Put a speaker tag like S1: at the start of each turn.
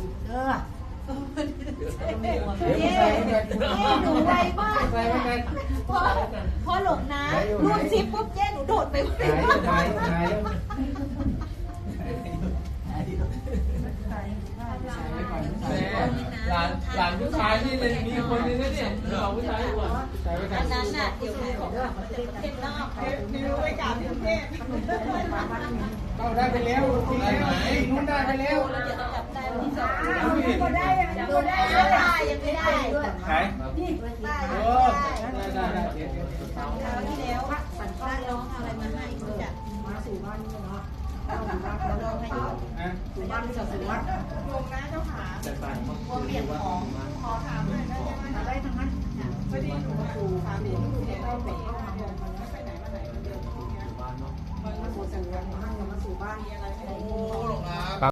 S1: หนูไวมากพอหลงนะรูดซิปปุ๊บเจ๊หนูโดดไป
S2: หลานผู้ชายนี่เลยมีคนนึงนะเนี่ยเราผู้ชายก่อน
S1: อันนั้นน่ะเดี๋ยวของเทพนอก
S3: มีรู้ไว้กับที่เทพ
S2: เข้าได้ไปแล้วทีนู้นได้ไปแล้ว
S1: เราจะต้องจับได้วันที่2
S3: ก็ได้ยังไม่ได้
S1: ยังไม่ได้
S2: ไหน
S1: นี่ได้
S2: ได้
S1: ที่แล้วสัญชาติร้องอะไรมาให้จะ
S3: มาสู่บ้านนี่เนาะ
S1: เราลองให้อยู่
S3: สู่บ้านที่จะสู่วัดงงนะเจ้าขาเปลี่ยนของขอถามหน่อยได้ทั้งนั้นพอดีหนูมาสู่สามีหนูเนี่ยเราไปเข้ามาบอกมันไม่ไปไหนมาไหนมันเดินอย่างเงี้ยมันมาสู่บ้านมันมาสู่บ้านมีอะไรให้